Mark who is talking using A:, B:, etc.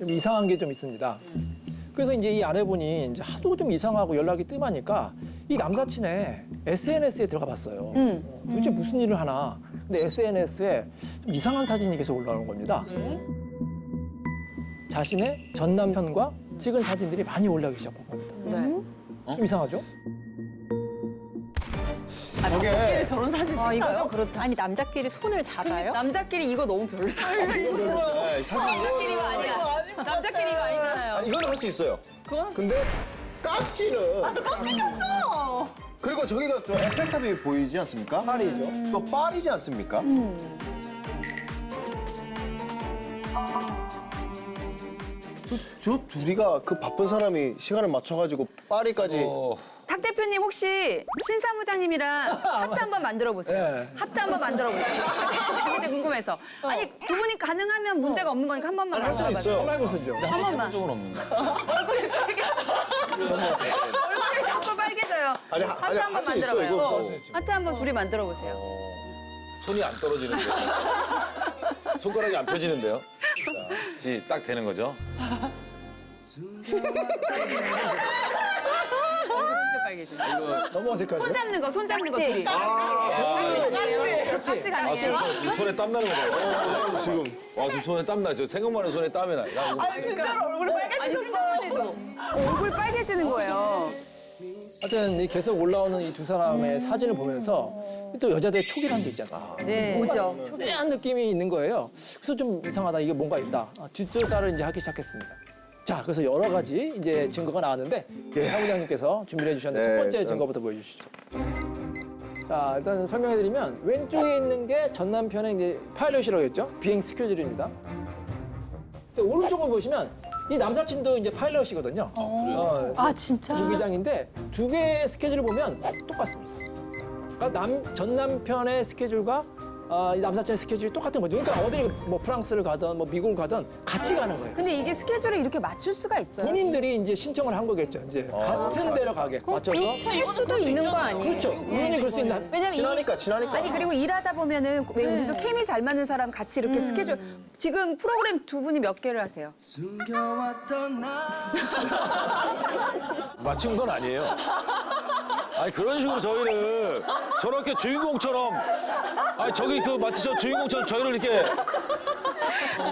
A: 좀 이상한 게 좀 있습니다. 그래서 이제 이 아내분이 이제 하도 좀 이상하고 연락이 뜸하니까 이 남사친의 SNS에 들어가 봤어요. 도대체 무슨 일을 하나. 근데 SNS에 좀 이상한 사진이 계속 올라오는 겁니다. 자신의 전 남편과 찍은 사진들이 많이 올라오기 시작한 겁니다. 좀 이상하죠?
B: 남자끼리 저런 사진 찍어요?
C: 아, 이거 좀 그렇다. 아니, 남자끼리 손을 잡아요?
B: 남자끼리 이거 너무 별로다.
D: 네, 사진
C: 남자끼리 이거 아니야. 남자끼리 이거 아니잖아요.
D: 이거는 할 수 있어요. 근데 깍지는
B: 깜찍 꼈어.
D: 그리고 저기가 또 에펠탑이 보이지 않습니까?
A: 파리죠.
D: 또 파리지 않습니까? 저 둘이가 그 바쁜 사람이 시간을 맞춰가지고 파리까지
B: 탁 대표님 혹시 신사무장님이랑 하트 한번 만들어 보세요.
A: 네.
B: 하트 한번 만들어 보세요. 이제 궁금해서. 아니 두 분이 가능하면 문제가 없는 거니까 한 번만
D: 할 수
B: 만들어 봐요.
D: 있어요.
A: 한번 해보시죠.
B: 한 번만.
E: 적은 없는데.
B: 얼굴이 자꾸 빨개져요.
D: 아니,
B: 하트
D: 아니,
B: 한번
D: 할수
B: 만들어
D: 있어,
B: 봐요.
D: 이거 뭐.
B: 하트 한번 둘이 만들어 보세요.
E: 손이 안 떨어지는데. 손가락이 안 펴지는데요. 자, 딱 되는 거죠.
B: 진짜 빨개져.
A: 너무 어색하죠?
B: 손 잡는 거 둘이. 깍지 가능해요.
E: 손에 땀 나는 거 봐요.
D: 지금
E: 와, 지금 손에 땀 나. 저 생각만 해도 손에 땀이 나. 야, 이거
B: 진짜로 얼굴이 빨개지셨어요. 얼굴 빨개지는 거예요.
A: 하여튼 이 계속 올라오는 이 두 사람의 사진을 보면서 또 여자들의 촉이라는 게 있잖아.
B: 네. 뭐죠?
A: 쎄한 느낌이 있는 거예요. 그래서 좀 이상하다. 이게 뭔가 있다. 뒷조사를 이제 하기 시작했습니다. 자, 그래서 여러 가지 이제 증거가 나왔는데 사무장님께서 준비해 주셨는데
D: 네,
A: 첫 번째
D: 일단.
A: 증거부터 보여주시죠. 자, 일단 설명해드리면 왼쪽에 있는 게 전 남편의 이제 파일럿이라고 했죠. 비행 스케줄입니다. 오른쪽을 보시면 이 남사친도 이제 파일럿이거든요.
C: 아, 진짜?
A: 무기장인데 두 개의 스케줄을 보면 똑같습니다. 그러니까 전 남편의 스케줄과 이 남사친의 스케줄이 똑같은 거죠. 그러니까 어디 뭐 프랑스를 가든 뭐 미국을 가든 같이 가는 거예요.
B: 근데 이게 스케줄을 이렇게 맞출 수가 있어요?
A: 본인들이 이제 신청을 한 거겠죠. 이제 같은 데로 가게 맞춰서.
C: 할 수도 있는 거 아니에요?
A: 그렇죠. 본인이 그럴 수 있는.
B: 왜냐면
D: 친하니까.
B: 아니 그리고 일하다 보면은 왜 우리도 케미 잘 맞는 사람 같이 이렇게 스케줄 지금 프로그램 두 분이 몇 개를 하세요?
E: 맞춘 건 아니에요. 아니, 그런 식으로 저희를 저렇게 주인공처럼, 아니, 저기 그 마치 저 주인공처럼 저희를 이렇게